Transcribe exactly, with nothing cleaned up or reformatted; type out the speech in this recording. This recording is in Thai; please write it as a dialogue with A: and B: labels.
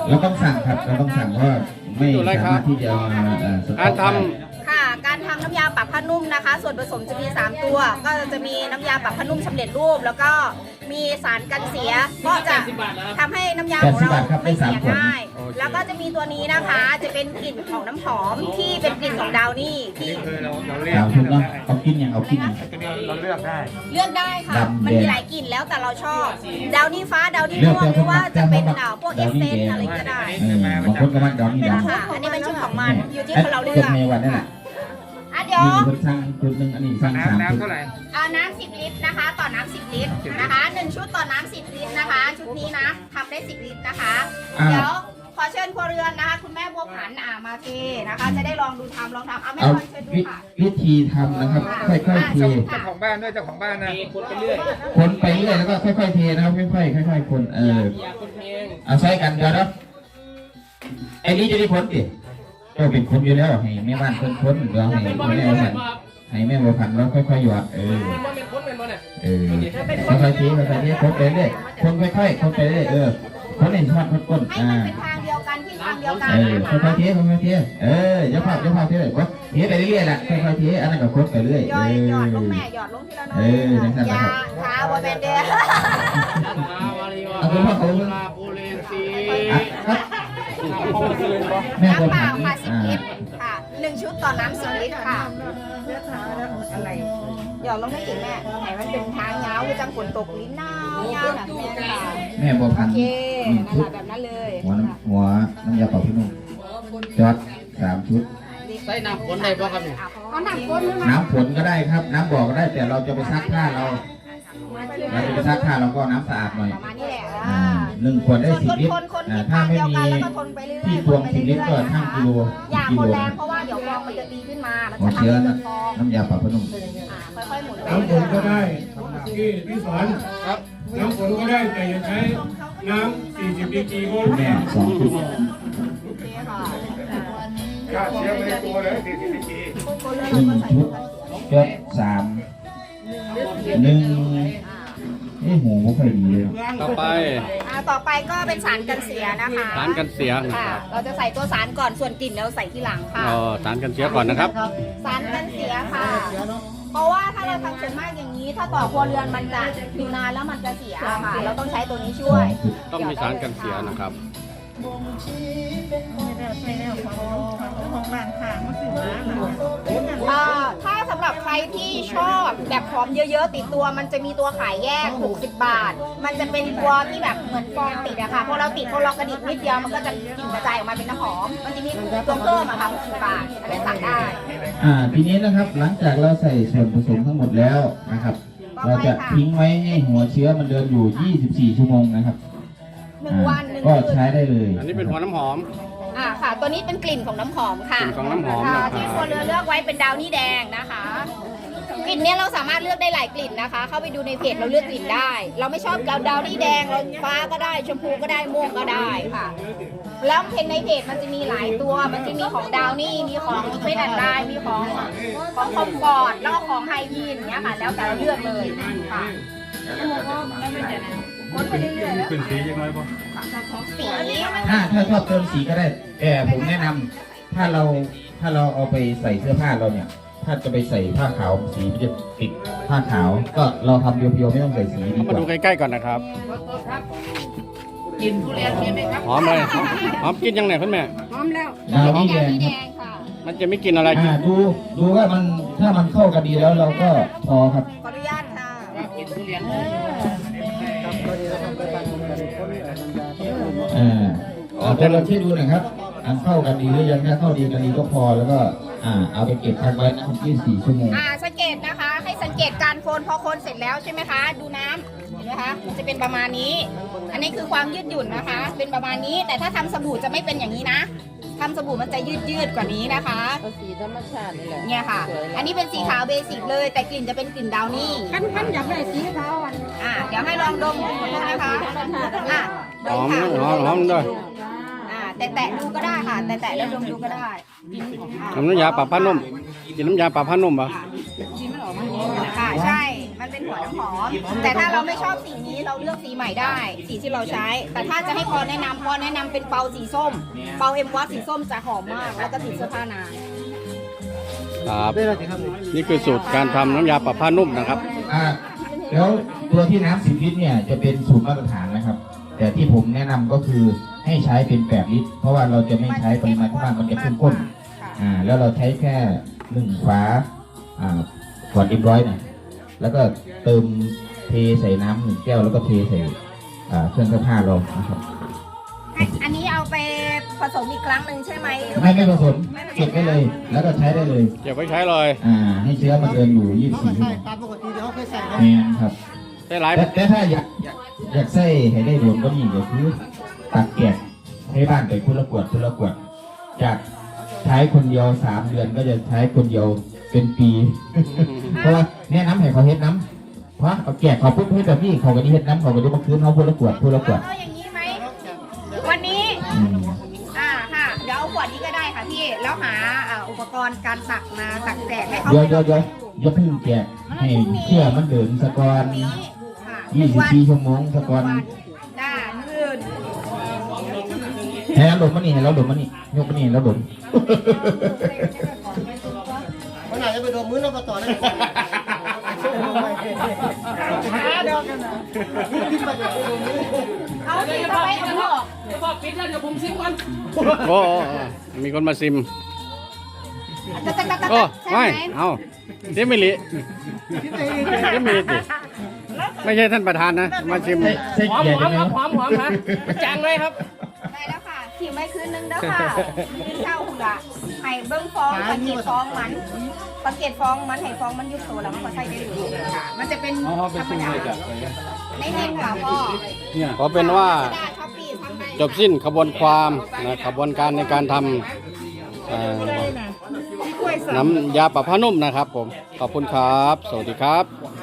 A: เราต้องสั่งครับเราต้องสั่งเพราะไม่สามารถที่จะ
B: การทำ
C: ค่ะการทำน้ำยาปรับผ้านุ่มนะคะส่วนผสมจะมีสามตัวก็จะมีน้ำยาปรับผ้านุ่มสำเร็จรูปแล้วก็มีสารกันเสียก็จะทำให้น้ำยาของเราไม่เสียง่ายแล้วก็จะมีตัวนี้นะคะจะเป็นกลิ่นของน้ำหอมที่เป็นกลิ่นของดาวนี่ที่
B: คือเราเราเรียก
A: เราถูกต้องเอากินอย่างเอากินอย่าง
B: เราเลือกได้
C: เลือกได้ค่ะมันมีหลายกลิ่นแล้วแต่เราชอบดาวนี่ฟ้าดาวนี่ม่วงหรือว่าจะเป็นดาวพวกเอสเซนอะไรก็ได้
A: บางคนก็มันดอนนี่ด
C: ค่ะอันนี้เป็นชุดของมันอยู่ที่คนเราเลือก
A: ในวันนั่นแหละ
C: อ่ะเดี๋ยว
A: มีคนสั่งชุดหนึ่งอันนี้สั่งสาม
B: น้ำ
A: ชุด
B: น้ำเท่าไหร่
C: เอาน้ำสิบลิตรนะคะต่อน้ำสิบลิตรนะคะหนึ่งชุดต่อน้ำสิบลิตรนะคะ ชุดนี้นะทำได้สิบลิตรนะคะเดี๋ยวขอเชิญครัวเรือนนะคะคุณแม่บัวผันอ่ามาเทนะคะ จะได้ลองดูทำลองทำเอาแม่
A: เอา
C: ลองเชิญดูค่ะ
A: วิธีทำนะครับค่อยๆเท
B: เจ้าของบ้านด้วยเจ้าของบ้านนะคนไปเรื่อย
A: คนไปเรื่อยแล้วก็ค่อยๆเทนะครับค่อยๆค่อยๆคนเออเอาใช้กันเดี๋ยวนะไอ้นี้จะได้ผลดิก็เป็นคนอยู่แล้วให้แม่บ้านคนคนเดี๋ยวให้แม่บ้านให้แม่บัวผันแล้วค่อยๆหยอดเออเออค่อยๆเทค่อยๆเทคนไปเรื่อยคนค่อยๆคนไปเรื่อยเออคนเห็นชอบคนก้น
C: ให้
A: อ่า
C: มันเป็นทางเดียวกันที่ทางเดียวกัน
A: เออ
C: นะ
A: ค่
C: คะ
A: อยๆเทค่อยๆเทเอออย่าพลาดอย่าพลาดเทเลยก็เทไปเรื่อยๆแหละค่อยๆเทอันนั้นก็คนไปเรื่อย
C: หย
A: เอ
C: อด
A: อ
C: หยอดลงแม่หยอดลงทีละน้อย
A: เออนั่นแหละ
C: ยา
A: ครับ
C: ขาวัวแบนเดีย
A: เอาคุณพ่อเขาอ่ะครับแม่บัว
C: น้ำเป
A: ผั
C: ล่าน ค่ะสิบ
A: อ่า
C: ลิตรค่ะหนึ่งชุดต่อน้ำสิบลิตรค่ะอะไรหยอดลงให้อีกแม่ไหนมันเป็นทางเงาคือจังฝนตกลิ้นหนาวเงาแบบนี้ค่ะ
A: แม่บัวพัน
C: โอ
A: ธุ์
C: เค
A: หนึ่ง
C: นั่น
A: ชุ
C: แห
A: ด
C: ละแบบนั้นเลย
A: หัวน้ำหัวน้ำยาเป่าพี่นุ่มจอดสามชุด
D: ใส่น้ำฝนได้ป่ะครับเนี่ย
C: เอาหนักก้นหรือ
A: น้ำฝนก็ได้ครับ น้ำบ่อก็ได้แต่เราจะไปซักผ้าเราเราจะไปซักผ้าเราก็น้ำสะอาดหน่อย
C: ประมาณนี้แหละ
A: อ่าหนึ่งขวดได้
C: ส่วน
A: สิบ
C: คน
A: ลิตร
C: คนคน
A: อ่า
C: ที่
A: ถ้า
C: ทาง
A: ไม่
C: เดียว
A: มี
C: กันแล้วก็คนไปเรื่อยๆ
A: ที่ตวงสิบลิตรก็ช่างกิโล
C: อย่า
A: กิ
C: ค
A: โล
C: นแรงเพราะว่าเดี๋ยวฟองมันจะตีขึ้นมา มัน
A: หัว
C: จะทำ
A: เชื้อ
C: ให้เกิ
A: นะ
C: ดฟอง
A: น้ำยาเป่าพี่นุ่ม
C: อ่าค่อยๆหมุนไป
E: น้ำฝ
C: เรื่อน
E: ก็
C: ย
E: ได้ที่ที่สอนน้ำฝนก็ได้แต่อย่าใช้น้ำสี่สิบดีกรีก็
A: คุณแม่สองชุด
C: ๆค่ะ
B: ฆ่าเชื้อไม่ได้ตัวเลยสี่สิบปี
A: หนึ่งชุดจดสามหนึ่งนี่หูไม่ค่อยดีเลย
B: ต่อไป
C: อ่าต่อไปก็เป็นสารกันเสียนะคะ
B: สารกันเสียนะ
C: ค่ะ
B: ครับ
C: เราจะใส่ตัวสารก่อนส่วนกลิ่นเราใส่ที่หลังค่ะ
B: อ๋อสารกันเสียก่อนนะครับ
C: สารกันเสียค่ะ เพราะว่าถ้าเราทำส่วนมากอย่างนี้ ถ้าต่อครัวเรือนมันจะอยู่นานแล้วมันจะเสียค่ะ เราต้องใช้ตัวนี้ช่วย
B: ต้องมีสารกันเสียนะครับ
C: อ่าถ้าสำหรับใครที่ชอบแบบหอมเยอะๆติดตัวมันจะมีตัวขายแยกหกสิบบาท มันจะเป็นตัวที่แบบเหมือนฟองติดอะค่ะพอเราติดพอเรากระดิกนิดเดียวมันก็จะกลิ่นกระจายออกมาเป็นน้ำหอม มันจะมีตัวเพิ่มอะค่ะหกสิบบาทอะไรสั่งได้
A: อ่าทีนี้นะครับหลังจากเราใส่ส่วนผสมทั้งหมดแล้วนะครับ เราจะทิ้งไว้ให้หัวเชื้อมันเดินอยู่ยี่สิบสี่ชั่วโมงนะครับ
C: หนึ่งวันหนึ่ง
A: ก็
C: คืน
A: ใช้ได้เลย
B: อันนี้เป็นหัวน้ำหอม
C: อ่าค่ะ ตัวนี้เป็นกลิ่นของน้ำหอมค่ะ
B: กลิ่นของน้ำหอม
C: ค่ะ
B: นะครับ
C: ที่ครัวเรือนเลือกไว้เป็นดาวนี่แดงนะคะ กลิ่นเนี้ยเราสามารถเลือกได้หลายกลิ่นนะคะ เข้าไปดูในเพจเราเลือกกลิ่นได้ เราไม่ชอบดาวดาวนี่แดงเราฟ้าก็ได้ชมพูก็ได้ม่วงก็ได้ค่ะ แล้วเพจในเพจมันจะมีหลายตัว มันจะมีของดาวนี่มีของเฟสแอนด์ไดมีของของคอมฟอร์ตแล้วก็ของไฮยีนอย่างเงี้ยค่ะ แล้วแต่เราเลือกเลยค่ะคนไปเรื่อยๆแล้ว
B: ขึ้นสียังไงบ่
C: สี
A: ถ้าถ้าชอบเติมสีก็ได้แต่ผมแนะนำถ้าเราถ้าเราเอาไปใส่เสื้อผ้าเราเนี่ย ถ้าจะไปใส่ผ้าขาวสีมันจะติดผ้าขาว ก็เราทำเพียวๆไม่ต้องใส่สีดีก
B: มา
A: ว่า
B: ดูใกล้ๆก่อนนะครับ
D: กินทุเรียนมีไหมครับ
B: หอมเลยหอมหอมกินยังไงคุณแม่
D: พร้อมแล้ว
A: ดาวนี่แด
C: ดาว
A: ง
C: นี่
A: ค
C: แด
A: รับ
C: งค่ะ
B: มันจะไม่กินอะไรกิน
A: อ่าดูดูว่ามันถ้ามันเข้ากันดีแล้วเราก็พอครับ
C: ขออนุญาตค่ะ
D: กินทุเรียน
A: อ่าเอาแต่เราเช็คดูหน่อยครับอันเข้ากันดีหรือยังถ้าเข้าดีกันดีก็พอแล้วก็อ่าเอาไปเก็บพักไว้นะครับยี่สิบสี่ชั่วโมง
C: อ่าสังเกตนะคะ ให้สังเกตการโคนพอโคนเสร็จแล้วใช่ไหมคะ ดูน้ำเห็นไหมคะมันจะเป็นประมาณนี้ อันนี้คือความยืดหยุ่นนะคะ เป็นประมาณนี้ แต่ถ้าทำสบู่จะไม่เป็นอย่างนี้นะทำสบู่มันจะยืดยืดๆกว่านี้นะคะ
D: สีธรรมชาตินี่แหละ
C: เนี่ยค่ะ อันนี้เป็นสีขาวเบสิกเลย แต่กลิ่นจะเป็นกลิ่นดาวนี่
D: ขั้นขั้นอยากได้สีขาวอ่ะ
C: อ่าเดี๋ยวให้ลองดมดูนะคะอ่ะด
B: หอ
C: ม
B: ม
C: ค่ะ
B: หอมหอมด้วย
C: อ่าแตะๆดูก็ได้ค่ะ แตะๆแล้วดมดูก็ได้อ่า
B: น้ำยาปรับผ้านุ่มกินน้ำยาปรับผ้านุ่มปะ
C: ค่ะใช่ มันเป็นหัวน้ำหอมแต่ถ้าเราไม่ชอบสีนี้เราเลือกสีใหม่ได้ สีที่เราใช้ แต่ถ้าจะให้พอแนะนำพอแนะนำเป็นเปาสีส้ม เปาเอ็มวัตสีส้มจะหอมมากแล้วก็ติดเสื้อผ้านาน
B: ครับนี่คือสูตรการทำน้ำยาปรับผ้านุ่มนะครับ
A: อ่าแล้วตัวที่น้ำสิบลิตรเนี่ยจะเป็นสูตรมาตรฐานนะครับ แต่ที่ผมแนะนำก็คือให้ใช้เป็นแปดลิตร เพราะว่าเราจะไม่ใช้ปริมาณที่มากมันจะเข้มข้นอ่าแล้วเราใช้แค่หนึ่งฝาอ่าขวดเอ็มร้อยนะแล้วก็เติมเทใส่น้ำหนึ่งแก้วแล้วก็เทใส่อ่าเครื่องซักผ้าเรานะครับ
C: อันนี้เอาไปผสมอีกครั้งหนึ่งใช่ไหม
A: ไม่ไม่ผสมเก็บได้เลย แล้วก็ใช้ได้เลย
B: เก็บไว้ใช้เลย
A: อ่าให้เชื้อมันเดินอยู่ยี่สิบสี่ชั่วโมง
D: ตามปกติเดี๋ยวเขาเคยใส่นะ
A: แม่นครับ
B: ได้หลาย
A: แต่แต่ถ้าอยากอยากอยากใส่ให้ได้โดนก็นี่ก็คือตักแกะให้บ้านไปคนละขวดคนละขวดจากใช้คนเดียวสามเดือนก็จะใช้คนเดียวเป็นปี เพราะว่าแนะนำให้เขาเฮ็ดน้ำเพราะเอาแกะเขาปุ๊บให้แบบนี้เขาก็ได้เฮ็ดน้ำเขาก็ได้มาคืนเขาคนละขวดคนละขวด
C: เอาอย่างนี้ไหมวันนี้
A: อืม
C: อ่าค่ะเดี๋ยวเอาขวดนี้ก็ได้ค่ะพี่แล้วหาอ่าอุปกรณ์การตักมาตักแจกให้เขา
A: เดี๋ยวเดี๋ยวเดี๋ยวอย่าเพิ่งแกะให้เชื่อมันเดินสะกอน
C: นี้ค่ะ
A: ยี่สิบสี่ชั่วโมงสะกอน
C: ได้มื่น
A: ให้เราดมมันนี่ให้เราดมมันนี่ยกมันนี่ให้เราดม
D: วันไหนจะไปโดนมื้อเรามาต่อได้
C: เอาสิเข้าไปเอาออก
D: พอปิดแล้วเดี๋ยวผมซิมก่อน
B: โอ้โอ้โอ้มีคนมาซิม
C: ตักตักตักตัก
B: โอ้
C: ใช่
B: ไม่
C: ไหม
B: เอาเดี๋ยวไม่ลิเดี๋ยวไม่ลิติไม่ใช่ท่านประธานนะ มาชิม
A: ใส่ใส่
D: หอม
A: เกีย
D: ห
A: ร์
D: อ
A: ได้
D: ม
A: ไหม
D: ครับหอมหอมครับจางเลยครับ
C: ได้แล้วค่ะทิ้งไว้คืนนึงเด้อค่ะคืนเช้าหุ่นละให้เบิ้งฟองสังเกตฟองมันสังเกตฟองมันให้ฟองมันยุบตัวแล้วมันก็ใส่ได้เลยค่ะ มันจะเป็นธรรมดาไม่เน้นค่ะพ่อ
B: ขอเป็นว่า
C: ได้ช้อปปี้ทำให้
B: จบสิ้นขบวนความนะขบวนการในการทำเอ่อน้ำยาปรับผ้านุ่มนะครับผม ขอบคุณครับ สวัสดีครับ